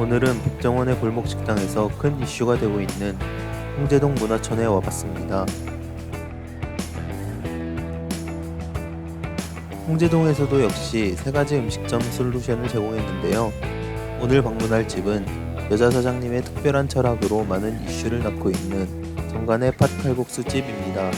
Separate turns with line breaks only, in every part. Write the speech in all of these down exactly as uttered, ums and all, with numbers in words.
오늘은 백종원의 골목식당에서 큰 이슈가 되고 있는 홍제동 문화촌에 와봤습니다. 홍제동에서도 역시 세 가지 음식점 솔루션을 제공했는데요. 오늘 방문할 집은 여자 사장님의 특별한 철학으로 많은 이슈를 낳고 있는 정관의 팥칼국수 집입니다.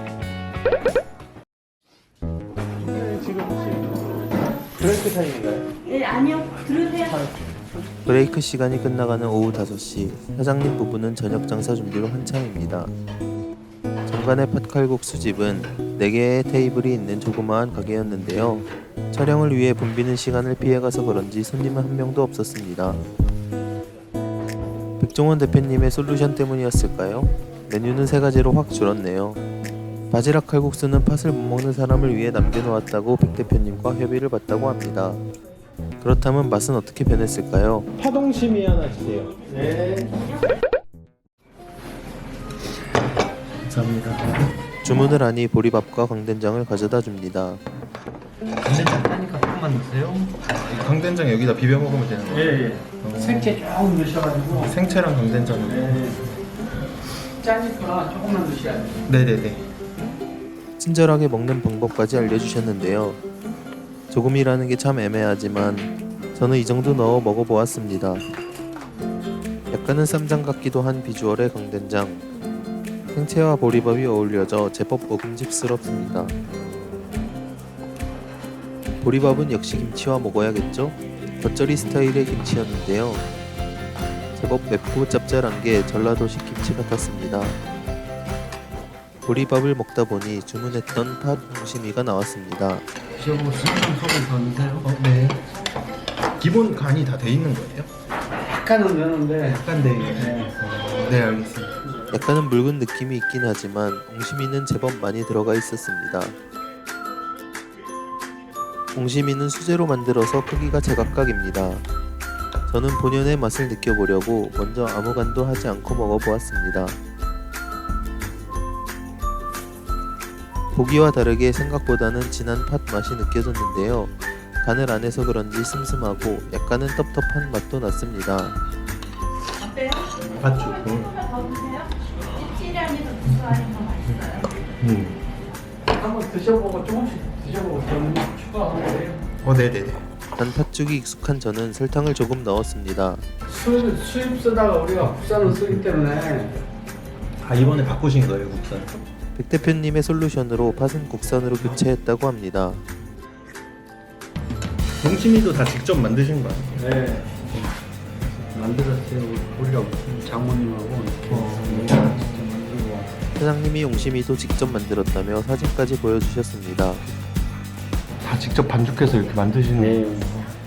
네, 지금 혹시 브레이크 타임인가요?
네, 아니요. 들으세요.
브레이크 시간이 끝나가는 오후 다섯 시, 사장님 부부는 저녁 장사 준비로 한창입니다. 정관의 팥칼국수 집은 네 개의 테이블이 있는 조그마한 가게였는데요. 촬영을 위해 붐비는 시간을 피해가서 그런지 손님은 한 명도 없었습니다. 백종원 대표님의 솔루션 때문이었을까요? 메뉴는 세 가지로 확 줄었네요. 바지락 칼국수는 팥을 못 먹는 사람을 위해 남겨놓았다고 백 대표님과 협의를 봤다고 합니다. 그렇다면 맛은 어떻게 변했을까요?
파동심이 하나 주세요. 네. 감사합니다.
주문을 하니 보리밥과 강된장을 가져다 줍니다.
강된장 따니까 조금만 넣으세요.
강된장 여기다 비벼 먹으면 되는 거예요?
예, 예.
어.
생채 조금 넣으셔가지고
생채랑 강된장으로.
네. 짜니까 조금만 넣으셔야 돼요.
네네네.
친절하게 먹는 방법까지 알려주셨는데요. 조금이라는 게 참 애매하지만 저는 이 정도 넣어 먹어보았습니다. 약간은 쌈장 같기도 한 비주얼의 강된장. 생채와 보리밥이 어울려져 제법 먹음직스럽습니다. 보리밥은 역시 김치와 먹어야겠죠? 겉절이 스타일의 김치였는데요. 제법 맵고 짭짤한 게 전라도식 김치 같았습니다. 보리밥을 먹다 보니 주문했던 팥 옹심이가 나왔습니다.
드셔보고 싶으면 소금 더 넣으세요.
어, 네. 기본 간이 다 돼 있는 거예요?
약간은 넣는데
약간 네.
네.
네, 알겠습니다.
약간은 묽은 느낌이 있긴 하지만 옹심이는 제법 많이 들어가 있었습니다. 옹심이는 수제로 만들어서 크기가 제각각입니다. 저는 본연의 맛을 느껴보려고 먼저 아무 간도 하지 않고 먹어보았습니다. 보기와 다르게 생각보다는 진한 팥 맛이 느껴졌는데요. 간을 안 해서 그런지 슴슴하고 약간은 텁텁한 맛도 났습니다.
어때요?
팥죽.
조금만 더 드세요. 찝찝이 아니라 구수하니 더 맛있어요.
음.
한번 드셔보고 조금씩 드셔보고 더 추가하면 돼요.
어, 네네네.
단 팥죽이 익숙한 저는 설탕을 조금 넣었습니다.
수입, 수입 쓰다가 우리가 국산을 쓰기 때문에
아, 이번에 바꾸신 거예요, 국산?
백 대표님의 솔루션으로 팥은 국산으로 교체했다고 합니다.
동치미도 다 직접 만드신 거 아니에요?
네. 만들었어요. 우리가 장모님하고 이렇게
어.
직접 만들고.
사장님이 옹심이도 직접 만들었다며 사진까지 보여주셨습니다.
다 직접 반죽해서 이렇게 만드시는
네.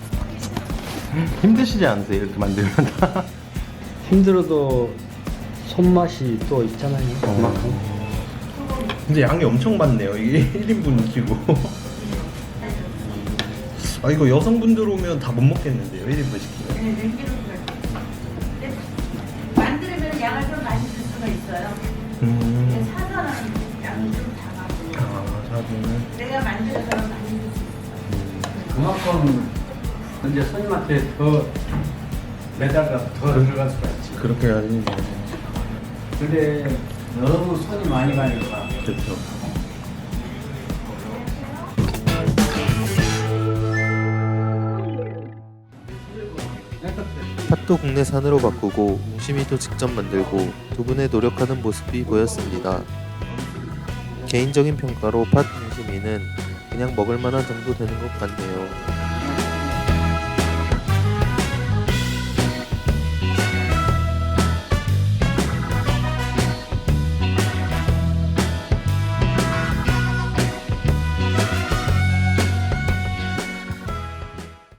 힘드시지 않으세요? 이렇게 만들면 다?
힘들어도 손맛이 또 있잖아요.
어.
그만큼.
근데 양이 엄청 많네요. 이게 일 인분이시고. 아, 이거 여성분들 오면 다 못 먹겠는데요, 일 인분 시키면.
네, 냉기로 그래요. 근데 만들면 양을 좀 많이 줄 수가 있어요. 근데
음.
사서는 양이 좀 작아고
아, 사진은.
내가 만들어서 많이 줄 수 있어요.
그만큼 이제 손님한테 더 매달가 더 들어갈 수가 있지.
그렇게 해야지.
근데 너무 손이 많이 가니까
그렇죠.
팥도 국내산으로 바꾸고 옹심이도 직접 만들고 두 분의 노력하는 모습이 보였습니다. 개인적인 평가로 팥 옹심이는 그냥 먹을만한 정도 되는 것 같네요.